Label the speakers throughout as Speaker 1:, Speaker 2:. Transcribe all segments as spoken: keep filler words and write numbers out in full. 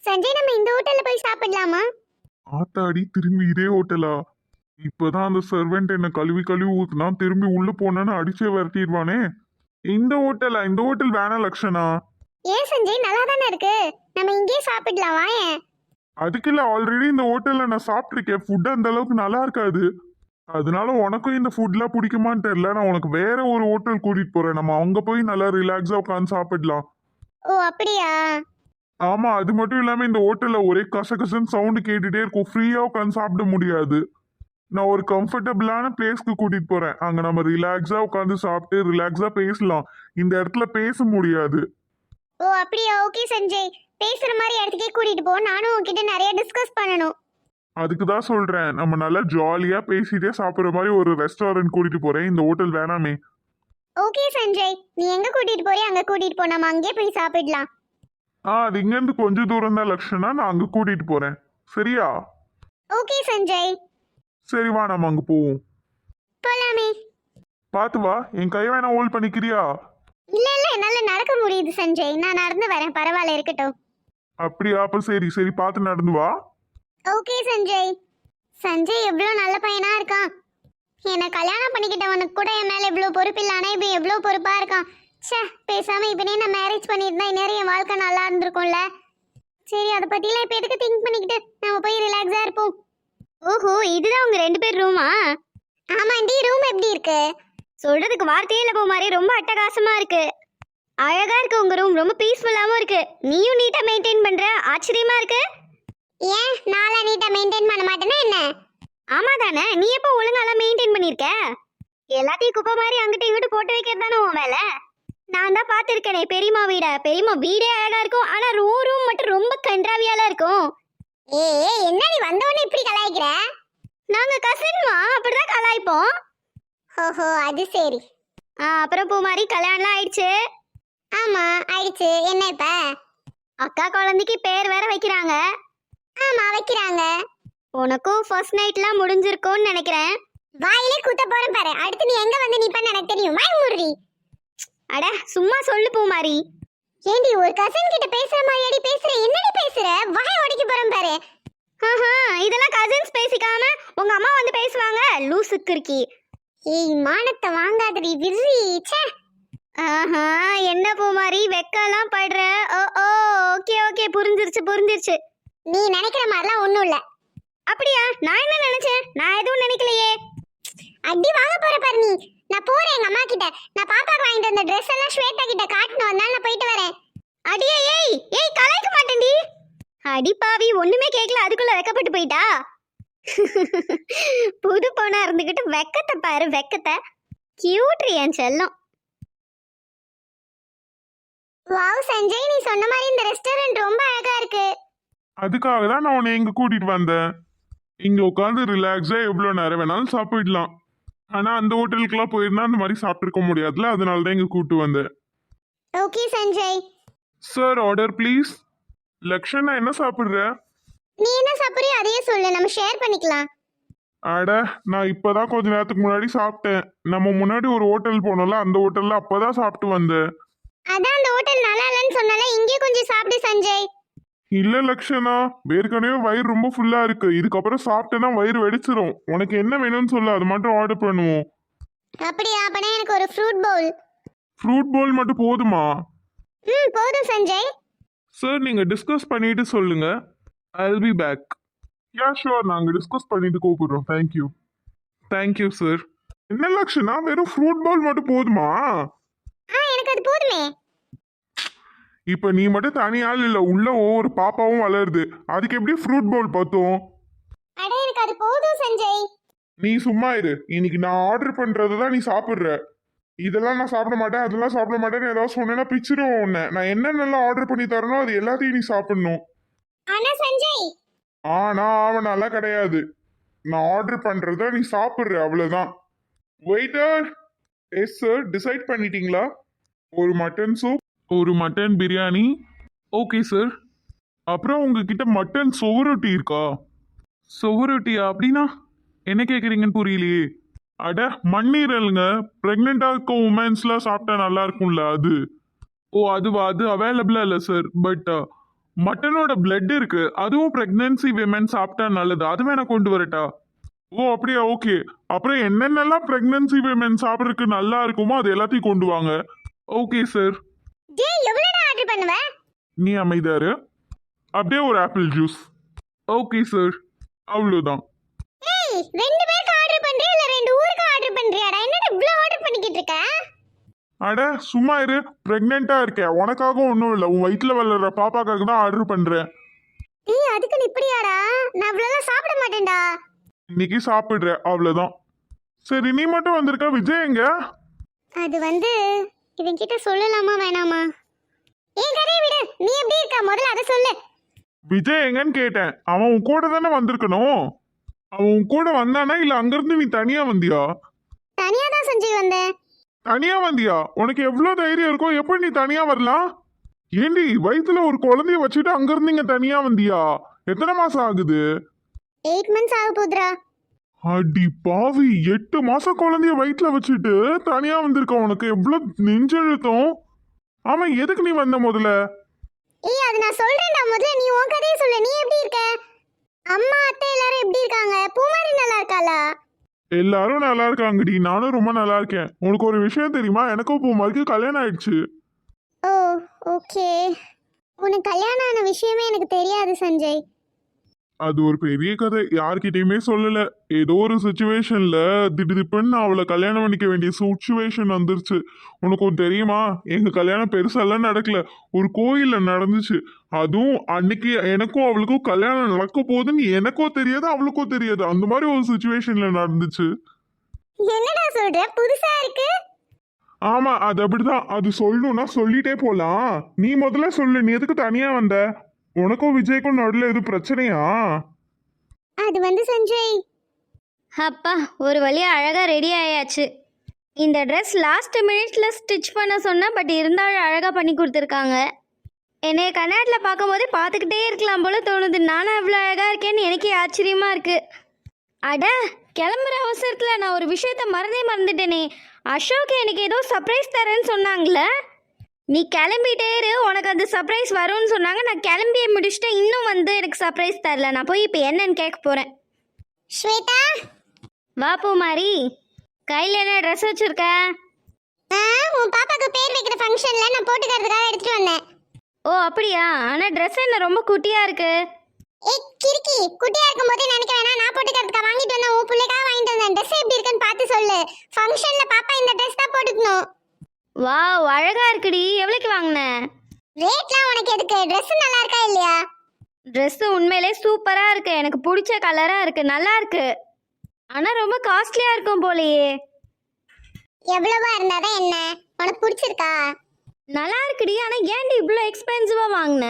Speaker 1: சஞ்சய், நம்ம இந்த ஹோட்டல்ல போய் சாப்பிடலாமா?
Speaker 2: ஆத்தாடி, திரும்பி இதே ஹோட்டலா? இப்பதான் அந்த சர்வெண்ட் என்ன கழுவி கழுவி ஊத்துனா, திரும்பி உள்ள போனேன்னு அடிச்சே விரட்டிடுவானே. இந்த ஹோட்டலா? இந்த ஹோட்டல் வேணாம் லக்ஷனா.
Speaker 1: ஏன் சஞ்சய், நல்லா தானே இருக்கு. நம்ம இங்கேயே சாப்பிடலாம், வாயேன்.
Speaker 2: அதுக்கு இல்ல, ஆல்ரெடி இந்த ஹோட்டல்ல நான் சாப்பிட்டிருக்கேன். ஃபுட் அந்த அளவுக்கு நல்லா இருக்காது. அதனால உனக்கும் இந்த ஃபுட்லாம் பிடிக்குமான்னு தெரியல. நான் உனக்கு வேற ஒரு ஹோட்டல் கூட்டிட்டு போறேன். நம்ம அங்க போய் நல்லா ரிலாக்ஸா உட்காந்து சாப்பிடலாம்.
Speaker 1: ஓ அப்படியா?
Speaker 2: ஆமா, அது மட்டும் இல்லாம இந்த ஹோட்டல்ல ஒரே கசகசன்னு சவுண்டு கேட்டுட்டே இருக்கும். ஃப்ரீயா உட்காந்து சாப்பிட முடியாது. நான் ஒரு கம்ஃபர்டபுளான பிளேஸ்க்கு கூட்டிட்டு போறேன். அங்க நம்ம ரிலாக்ஸா உட்காந்து சாப்பிட்டு ரிலாக்ஸா பேசலாம். இந்த இடத்துல பேச முடியாது.
Speaker 1: ஓ அப்படியா? ஓகே சஞ்சய், பேசுற மாதிரி இடத்துக்கே கூட்டிட்டு போ. நானும் உன்கிட்ட நிறைய டிஸ்கஸ் பண்ணணும்.
Speaker 2: அதுக்கு தான் சொல்றேன், நம்ம நல்லா ஜாலியா பேசிட்டே சாப்பிடுற மாதிரி ஒரு ரெஸ்டாரண்ட் கூட்டிட்டு போறேன். இந்த ஹோட்டல் வேணாமே.
Speaker 1: ஓகே சஞ்சய், நீ எங்க கூட்டிட்டு போறியோ அங்க கூட்டிட்டு போ. நம்ம அங்கேயே போய் சாப்பிடலாம்.
Speaker 2: ஆ, அது இங்கேருந்து கொஞ்சம் தூரம் தான் லக்ஷனா. நான் அங்க கூட்டிட்டு போறேன். சரியா?
Speaker 1: ஓகே சஞ்சய்,
Speaker 2: சரி, வா நம்ம அங்க போவோம்.
Speaker 1: போலாமே.
Speaker 2: பாத்து வா. என் கை வேணா ஹோல்ட் பண்ணிக்கிறியா?
Speaker 1: இல்ல இல்ல, என்னால நடக்க முடியுது சஞ்சய். நான் நடந்து வரேன், பரவாயில்ல, இருக்கட்டும்.
Speaker 2: அப்படியா? அப்ப சரி சரி, பார்த்து நடந்து வா.
Speaker 1: ஓகே சஞ்சய். சஞ்சய் எவ்வளவு நல்ல பையனா இருக்கான். என்னை கல்யாணம் பண்ணிக்கிட்டவனுக்கு கூட என் மேல எவ்வளவு பொறுப்பு இல்ல, ஆனா இப்ப எவ்வளவு பொறுப்பா இருக்கான். ச்சே, பேசாம இப்பனே நான் மேரேஜ் பண்ணியிருந்தா இந்நேரம் என் வாழ்க்கை நல்லா இருந்திருக்கும்ல. சரி, அதை பத்திலாம் இப்ப எதுக்கு திங்க் பண்ணிக்கிட்டு, நம்ம போய் ரிலாக்ஸா இருப்போம். ஓஹோ, இதுதான் உங்க ரெண்டு பேர் ரூமா? ஆமாண்டி, ரூம் எப்படி இருக்கு? சொல்றதுக்கு வார்த்தையே இல்ல பூமாரி, ரொம்ப அட்டகாசமா இருக்கு. அழகா இருக்கு உங்க ரூம், ரொம்ப பீஸ்ஃபுல்லாவும் இருக்கு. நீயும் நீட்டா மெயின்டைன் பண்ற, ஆச்சரியமா இருக்கு. ஏன் நாளா நீட்டா மெயின்டைன் பண்ண மாட்டேனா என்ன? ஆமா தானே, நீ எப்போ ஒழுங்காலாம் மெயின்டைன் பண்ணிருக்க? எல்லாத்தையும் குப்பை மாதிரி அங்கிட்ட இங்கிட்டு போட்டு வைக்கிறது தானே உன் வேலை. நான் தான் பார்த்துருக்கேனே பெரியம்மா வீட. பெரியம்மா வீடே அழகா இருக்கும், ஆனா ரூம் ரூம் மட்டும் ரொம்ப கன்றாவியால இருக்கும். ஏ என்ன நீ வந்தவொடனே இப்படி கலாய்க்கிற? நாங்க கசின்மா, அப்படிதான் கலாய்ப்போம். ஓஹோ, அது சரி. ஆ, அப்புறம் பூமாரி கல்யாணம்லாம் ஆயிடுச்சு? ஆமா ஆயிடுச்சு. என்ன இப்ப? அக்கா குழந்தைக்கு பேர் வேற வைக்கிறாங்க. ஆமா வைக்கிறாங்க. உனக்கும் ஃபர்ஸ்ட் நைட்லாம் முடிஞ்சிருக்கும்னு நினைக்கிறேன். வாயிலே குத்த போறேன் பாரு. அடுத்து நீ எங்க வந்து நிப்பன்னு எனக்கு தெரியும். வாய் மூடுறி. அட சும்மா சொல்லு பூமாரி. ஏண்டி ஒரு கசின் கிட்ட பேசுற மாதிரியாடி பேசுற? என்னடி பேசுற? வாய் உடைக்க போறேன் பாரு. ஆஹா, இதெல்லாம் கசின்ஸ் பேசிக்காம உங்க அம்மா வந்து பேசுவாங்க. லூசுக்கு இருக்கி. ஏய், மானத்தை வாங்காதடி விர்ரி. ச்சே. ஆஹா, என்ன பூமாரி வெக்கலாம் படுற? ஓ ஓ, ஓகே ஓகே, புரிஞ்சிருச்சு புரிஞ்சிருச்சு. நீ நினைக்கிற மாதிரிலாம் ஒண்ணும் இல்ல. அப்படியா? நான் என்ன நினைச்சேன்? நான் எதுவும் நினைக்கலையே. அடி வாங்க போற பாரு நீ. நான் போறேன் எங்க அம்மா கிட்ட. நான் பாப்பாக்கு வாங்கிட்டு வந்த Dress எல்லாம் ஸ்வேதா கிட்ட காட்டணும், அதனால நான் போயிட்டு வரேன். அடியே ஏய் ஏய், கலாய்க்க மாட்டேன்டி. அடி பாவி, ஒண்ணுமே கேட்கல, அதுக்குள்ள வெக்கப்பட்டு போயிட்டா. புது பொண்ணா இருந்துகிட்டு வெக்கத்தை பாரு, வெக்கத்தை. கியூட்ரி என் செல்லம். வாவ் சஞ்சய், நீ சொன்ன மாதிரி இந்த ரெஸ்டாரண்ட் ரொம்ப அழகா இருக்கு.
Speaker 2: அதுக்காக தான் நான் உன்னை இங்க கூட்டிட்டு வந்தேன். இங்க உட்காந்து ரிலாக்ஸா எவ்வளவு நேரம் வேணாலும் சாப்பிடலாம். ஆனா அந்த ஹோட்டலுக்குலாம் போயிருந்தா அந்த மாதிரி சாப்பிட்டுருக்க முடியாதுல, அதனால தான் இங்க கூட்டு வந்தேன்.
Speaker 1: Okay Sanjay.
Speaker 2: Sir, order please. Lakshana, என்ன சாப்பிடுற?
Speaker 1: நீ என்ன சாப்பிடுறியோ அதையே சொல்லு, நம்ம ஷேர் பண்ணிக்கலாம்.
Speaker 2: அட, நான் இப்பதான் கொஞ்ச நேரத்துக்கு முன்னாடி சாப்பிட்டேன். நம்ம முன்னாடி ஒரு ஹோட்டல் போனோம்ல, அந்த ஹோட்டல்ல அப்பதான் சாப்பிட்டு வந்தேன்.
Speaker 1: அதான் அந்த ஹோட்டல் நல்லா இல்லைன்னு சொன்னால இங்கே கொஞ்சம் சாப்பிடு சஞ்சய்.
Speaker 2: இல்ல லக்ஷனா, ஏற்கனவே வயிறு ரொம்ப ஃபுல்லா இருக்கு. இதுக்கப்புறம் சாப்பிட்டேன்னா வயிறு வெடிச்சிரும். உனக்கு என்ன வேணும்னு சொல்லு, அது மட்டும் ஆர்டர் பண்ணுவோம்.
Speaker 1: அப்படியா? அப்பனா எனக்கு ஒரு ஃப்ரூட் பவுல்.
Speaker 2: ஃப்ரூட் பவுல் மட்டும் போதுமா?
Speaker 1: ம், போதும் சஞ்சய்.
Speaker 2: சார், நீங்க டிஸ்கஸ் பண்ணிட்டு சொல்லுங்க. I will be back. Ya sure, நாங்க டிஸ்கஸ் பண்ணிட்டு கூப்பிடுறோம். தேங்க்யூ. Thank you sir. என்ன லக்ஷனா, வெறும் ஃப்ரூட் பவுல் மட்டும் போதுமா?
Speaker 1: ஆ, எனக்கு அது போதுமே.
Speaker 2: இப்ப நீ மட்டும் தனியாள் இல்ல, உள்ள ஒவ்வொரு பாப்பாவும் வளருது. அதுக்கு எப்படி ஃப்ரூட் பவுல் பார்த்தோம்?
Speaker 1: அட, எனக்கு அது போதும் சஞ்சய்.
Speaker 2: நீ சும்மா இரு. இன்னைக்கு நான் ஆர்டர் பண்றது தான் நீ சாப்பிடுற. இதெல்லாம் நான் சாப்பிட மாட்டேன், அதெல்லாம் சாப்பிட மாட்டேன்னு ஏதாவது சொன்னேன்னா பிச்சிருவோம் உன்னை. நான் என்னென்னலாம் ஆர்டர் பண்ணி தரனோ அது எல்லாத்தையும் நீ சாப்பிடணும்.
Speaker 1: ஆனா சஞ்சய்.
Speaker 2: ஆனா ஆவனாலாம் கிடையாது. நான் ஆர்டர் பண்றத நீ சாப்பிடுற, அவ்வளவுதான். வெயிட்டர். எஸ் சார், டிசைட் பண்ணிட்டீங்களா? ஒரு மட்டன் சூப், ஒரு மட்டன் பிரியாணி. Okay sir. அப்புறம் உங்ககிட்ட மட்டன் சுவரொட்டி இருக்கா? சுவரொட்டியா? அப்படின்னா என்ன கேட்குறீங்கன்னு புரியலையே. அட, மண்ணீரலுங்க. ப்ரெக்னெண்ட்டாக இருக்க உமன்ஸ்லாம் சாப்பிட்டா நல்லா இருக்கும்ல, அது. ஓ அதுவா? அது அவைலபிளாக இல்லை சார். பட் மட்டனோட பிளட் இருக்கு, அதுவும் பிரெக்னன்சி விமன் சாப்பிட்டா நல்லது, அது வேணா கொண்டு வரட்டா? ஓ அப்படியா, ஓகே. அப்புறம் என்னென்னலாம் பிரெக்னன்சி விமன் சாப்பிட்றதுக்கு நல்லா இருக்குமோ அது எல்லாத்தையும் கொண்டு வாங்க. Okay sir.
Speaker 1: டேய் எவ்வளோடா ஆர்டர் பண்ணுவ?
Speaker 2: நீ அமைதாரு. அப்படியே ஒரு ஆப்பிள் ஜூஸ். ஓகே சார், அவ்வளோதான்.
Speaker 1: ஏய் ரெண்டு பேருக்கு ஆர்டர் பண்றியா இல்ல ரெண்டு ஊருக்கு ஆர்டர் பண்றியாடா? என்னடா இவ்ளோ ஆர்டர் பண்ணிக்கிட்டு இருக்க?
Speaker 2: அட சும்மா இரு, பிரெக்னெண்டா இருக்கேன், உனக்காக ஒன்றும் இல்லை, உன் வயிற்றுல வளர்ற பாப்பாக்காக தான் ஆர்டர் பண்றேன்.
Speaker 1: டேய் அதுக்கு இப்படியாடா? நான் இவ்வளோலாம் சாப்பிட மாட்டேன்டா.
Speaker 2: இன்னைக்கு சாப்பிடுற, அவ்வளோதான். சரி நீ மட்டும் வந்திருக்க, விஜய் எங்க?
Speaker 1: அது வந்து இவன் கிட்ட சொல்லலாமா வேணாமா? ஏன் கதையை விடு, நீ எப்படி இருக்க முதல்ல அதை சொல்லு.
Speaker 2: விஜய் எங்கன்னு கேட்டேன். அவன் உன் கூட தானே வந்திருக்கணும். அவன் உன் கூட வந்தானா இல்ல அங்கிருந்து நீ தனியா வந்தியா?
Speaker 1: தனியா தான் சஞ்சய் வந்தேன்.
Speaker 2: தனியா வந்தியா? உனக்கு எவ்வளவு தைரியம் இருக்கும், எப்படி நீ தனியா வரலாம்? ஏண்டி வயித்துல ஒரு குழந்தைய வச்சுட்டு அங்கிருந்து இங்க தனியா வந்தியா? எத்தனை மாசம் ஆகுது?
Speaker 1: எயிட் மந்த்ஸ் ஆக போகுதுடா.
Speaker 2: அடி பாவி, எட்டு மாசம் குழந்தைய வயிற்றுல வச்சுட்டு தனியா வந்திருக்க, உனக்கு எவ்வளவு நெஞ்செழுத்தம். ஆமா, எதுக்கு நீ வந்த முதல்ல?
Speaker 1: ஏய் அது நான் சொல்றேன்டா, முதல்ல நீ உன் கதையை சொல்லு. நீ எப்படி இருக்க? அம்மா அத்தை எல்லாரும் எப்படி இருக்காங்க? பூமாரி நல்லா இருக்காளா?
Speaker 2: எல்லாரும் நல்லா இருக்காங்கடி, நானும் ரொம்ப நல்லா இருக்கேன். உனக்கு ஒரு விஷயம் தெரியுமா, எனக்கும் பூமாரிக்கு கல்யாணம் ஆயிடுச்சு.
Speaker 1: Oh okay. உனக்கு கல்யாணம் ஆன விஷயமே எனக்கு தெரியாது சஞ்சய்.
Speaker 2: அது ஒரு பெரிய கதை, யார்கிட்டயுமே சொல்லல. ஏதோ ஒரு சுச்சுவேஷன்ல திடீர்னு அவளை கல்யாணம் பண்ணிக்க வேண்டிய சுச்சுவேஷன் வந்துருச்சு. உனக்கு ஒன்று தெரியுமா, எங்க கல்யாணம் பெருசாலாம் நடக்கல, ஒரு கோயில்ல நடந்துச்சு. அதுவும் அன்னைக்கு எனக்கும் அவளுக்கும் கல்யாணம் நடக்க போகுதுன்னு எனக்கும் தெரியாது, அவளுக்கும் தெரியாது. அந்த மாதிரி ஒரு சுச்சுவேஷன்ல நடந்துச்சு.
Speaker 1: என்னடா சொல்ற, புதுசா இருக்கு.
Speaker 2: ஆமா, அது அப்படிதான். அது சொல்லணும்னா சொல்லிட்டே போலாம். நீ முதல்ல சொல்லு, நீ எதுக்கு தனியா வந்த? உனக்கும் விஜய்க்கும் நடுவில் எதுவும் பிரச்சனையா?
Speaker 1: அது வந்து சஞ்சய்,
Speaker 3: அப்பா ஒரு வழியாக அழகாக ரெடி ஆயாச்சு. இந்த ட்ரெஸ் லாஸ்ட் மினிட்ல ஸ்டிச் பண்ண சொன்னேன், பட் இருந்தாலும் அழகாக பண்ணி கொடுத்துருக்காங்க. என்னைய கண்ணாடியில் பார்க்கும்போதே பார்த்துக்கிட்டே இருக்கலாம் போல தோணுது. நானும் அவ்வளோ அழகாக இருக்கேன்னு எனக்கே ஆச்சரியமாக இருக்குது. அட கிளம்புற அவசரத்தில் நான் ஒரு விஷயத்த மறந்தே மறந்துட்டேனே. அசோக் எனக்கு ஏதோ சர்ப்ரைஸ் தரேன்னு சொன்னாங்களே. நீ கிளம்பிட்டே இரு, உனக்கு அந்த சர்ப்ரைஸ் வரும்னு சொன்னாங்க. நான் கிளம்பியே முடிச்சுட்டேன், இன்னும் வந்து எனக்கு சர்ப்ரைஸ் தரல. நான் போய் இப்போ என்னன்னு கேட்க போகிறேன்.
Speaker 1: ஸ்வேதா
Speaker 3: வா பூமாரி, கையில் என்ன ட்ரெஸ் வச்சுருக்க?
Speaker 1: ஆ உன் பாப்பாக்கு பேர் வைக்கிற ஃபங்க்ஷன்ல நான் போட்டுக்கிறதுக்காக எடுத்துட்டு வந்தேன்.
Speaker 3: ஓ அப்படியா? ஆனால் ட்ரெஸ் என்ன ரொம்ப குட்டியாக இருக்கு.
Speaker 1: ஏய் கிறுக்கி, குட்டியா இருக்கும்போதே நினைக்க வேணாம். நான் போட்டுக்கிறதுக்காக வாங்கிட்டு வந்தேன், உன் பிள்ளைக்காக வாங்கிட்டு வந்தேன். ட்ரெஸ் எப்படி இருக்குன்னு பார்த்து சொல்லு. ஃபங்க்ஷன்ல பாப்பா இந்த ட்ரெஸ் தான் போட்டுக்கணும்.
Speaker 3: வாவ் அழகா இருக்குடி. எவ்வளோக்கு வாங்கின?
Speaker 1: ரேட்லாம் உனக்கு எதுக்கு, ட்ரெஸ் நல்லா இருக்கா இல்லையா?
Speaker 3: ட்ரெஸ்ஸு உண்மையிலே சூப்பராக இருக்கு, எனக்கு பிடிச்ச கலராக இருக்கு, நல்லா இருக்கு. ஆனால் ரொம்ப காஸ்ட்லியாக இருக்கும் போலையே.
Speaker 1: எவ்வளவா இருந்தாதான் என்ன, உனக்கு பிடிச்சிருக்கா?
Speaker 3: நல்லா இருக்குடி, ஆனால் ஏன்டி இவ்வளோ எக்ஸ்பென்சிவாக வாங்கின?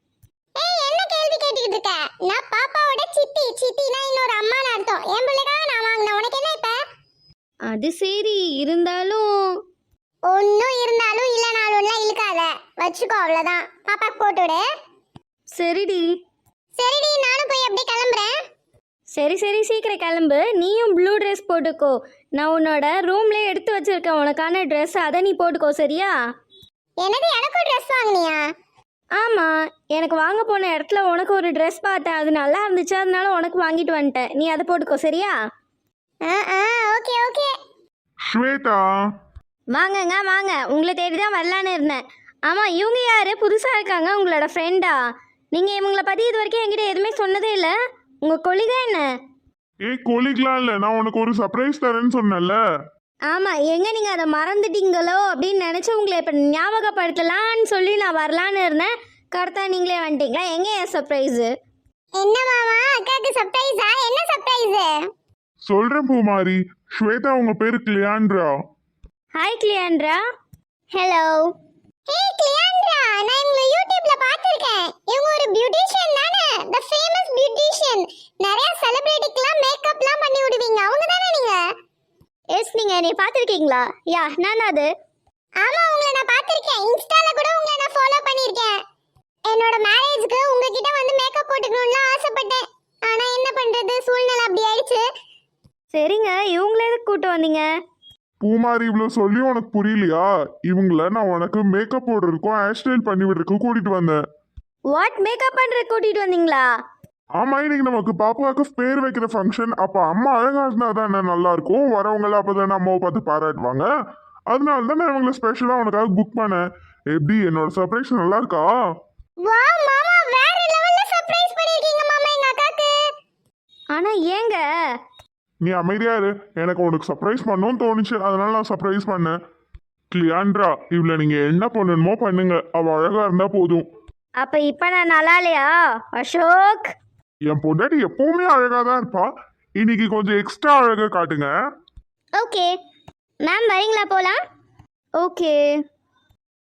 Speaker 1: ஏய் என்ன கேள்வி கேட்டுக்கிட்டு இருக்க? நான் பாப்பாவோட சித்தி. சித்தினா இன்னொரு அம்மான்னு அர்த்தம். என் பிள்ளைக்காக நான் வாங்கினேன், உனக்கு என்ன இப்ப?
Speaker 3: அது சரி, இருந்தாலும்
Speaker 1: ஒன்னும் இருந்தாலும் இல்லைனாலும்லாம் இழுக்காத, வச்சுக்கோ அவ்வளோதான். பாப்பாக்கு போட்டு விடு.
Speaker 3: சரிடி.
Speaker 1: சரிடி, நானும் போய் அப்படியே கிளம்புறேன்.
Speaker 3: சரி சரி சீக்கிரம் கிளம்பு. நீயும் ப்ளூ ட்ரெஸ் போட்டுக்கோ. நான் உன்னோட ரூம்லேயே எடுத்து வச்சிருக்கேன் உனக்கான ட்ரெஸ், அதை நீ போட்டுக்கோ சரியா?
Speaker 1: என்னது, எனக்கும் ட்ரெஸ் வாங்கினியா?
Speaker 3: ஆமாம், எனக்கு வாங்க போன இடத்துல உனக்கு ஒரு ட்ரெஸ் பார்த்தேன், அது நல்லா இருந்துச்சு, அதனால உனக்கு வாங்கிட்டு வந்துட்டேன். நீ அதை போட்டுக்கோ சரியா?
Speaker 1: ஆ ஆ ஓகே ஓகே.
Speaker 2: ஸ்வேதா,
Speaker 3: வாங்கங்க வாங்க, உங்களை தேடி தான் வரலான்னு இருந்தேன். ஆமாம், இவங்க யார் புதுசாக இருக்காங்க, உங்களோட ஃப்ரெண்டா? நீங்கள் இவங்கள பற்றி இது வரைக்கும் என்கிட்ட எதுவுமே சொன்னதே இல்லை. உங்கள் கொலிகா என்ன?
Speaker 2: ஏய் கொலிக்கலாம் இல்ல, நான் உனக்கு ஒரு சர்ப்ரைஸ் தரேன்னு சொன்னேன்ல.
Speaker 3: ஆமாம், எங்கே நீங்கள் அதை மறந்துட்டீங்களோ அப்படின்னு நினச்சி உங்களை இப்போ ஞாபகப்படுத்தலான்னு சொல்லி நான் வரலான்னு இருந்தேன். கரெக்டாக நீங்களே வந்துட்டீங்களா? எங்கே என் சர்ப்ரைஸு?
Speaker 1: என்ன மாமா, அக்காக்கு சர்ப்ரைஸா? என்ன சர்ப்ரைஸ்?
Speaker 2: சொல்றேன் பூமாரி, ஸ்வேதா உங்க பேரு கிளியாண்ட்ரா.
Speaker 3: ஹாய் கிளியாண்ட்ரா.
Speaker 1: ஹலோ. ஏய் கிளியாண்ட்ரா, நான் உங்களை யூடியூப்ல பார்த்திருக்கேன். இவங்க ஒரு பியூட்டிஷியன் தானே? The famous beautician. நிறைய செலிபிரிட்டிக்குலாம் மேக்கப்லாம் பண்ணி விடுவீங்க, அவங்க தானே நீங்க?
Speaker 3: எஸ், நீங்கள் என்னை பார்த்துருக்கீங்களா? யா, நான் அது.
Speaker 1: ஆமா, உங்களை நான் பார்த்திருக்கேன். இன்ஸ்டால கூட உங்களை நான் ஃபாலோ பண்ணியிருக்கேன். என்னோட மேரேஜ்க்கு உங்ககிட்ட வந்து மேக்கப் போட்டுக்கணும்னு ஆசைப்பட்டேன். ஆனா என்ன பண்றது, சூழ்நிலை அப்படி ஆயிடுச்சு.
Speaker 3: சரிங்க, இவங்களே எதுக்கு கூட்டு வந்தீங்க?
Speaker 2: பூமாரி, இவ்வளவு சொல்லி உனக்கு புரியலையா? இவங்கள நான் உனக்கு மேக்கப் போடுறதுக்கும் ஹேர் ஸ்டைல் பண்ணி விடுறதுக்கும் கூட்டிட்டு வந்தேன்.
Speaker 3: ஓ வாட் மேக்கப் பண்ணுற கூட்டிகிட்டு வந்தீங்களா?
Speaker 2: ஆமா, இன்னைக்கு நமக்கு பாப்பாவுக்கு பேர் வைக்கிற ஃபங்க்ஷன். அப்ப அம்மா அழகா இருந்தா தானே நல்லா இருக்கும். வரவங்கள அப்பதானே அம்மாவை பார்த்து பாராட்டுவாங்க. அதனால தான் நான் இவங்களை ஸ்பெஷலா உனக்காக புக் பண்ணேன். எப்படி என்னோட சர்ப்ரைஸ் நல்லா இருக்கா?
Speaker 1: வாவ் மாமா, வேற லெவல்ல சர்ப்ரைஸ் பண்ணிருக்கீங்க மாமா எங்க அக்காக்கு.
Speaker 3: ஆனால் ஏங்க?
Speaker 2: நீ அமைதியா இரு. எனக்கு உனக்கு சர்ப்ரைஸ் பண்ணணும்னு தோணுச்சு, அதனால நான் சர்ப்ரைஸ் பண்ணேன். கிளியாண்ட்ரா, இவளை நீங்க என்ன பண்ணணுமோ பண்ணுங்க. அவ அழகா இருந்தா போதும்.
Speaker 3: அப்போ இப்போ நான் நல்லா இல்லையா அசோக்?
Speaker 2: என் பொண்டாட்டி எப்பவுமே அழகா தான் இருப்பா. இன்னைக்கு கொஞ்சம் எக்ஸ்ட்ரா அழகா காட்டுங்க.
Speaker 1: ஓகே மேம், வரீங்களா போலாம்?
Speaker 3: ஓகே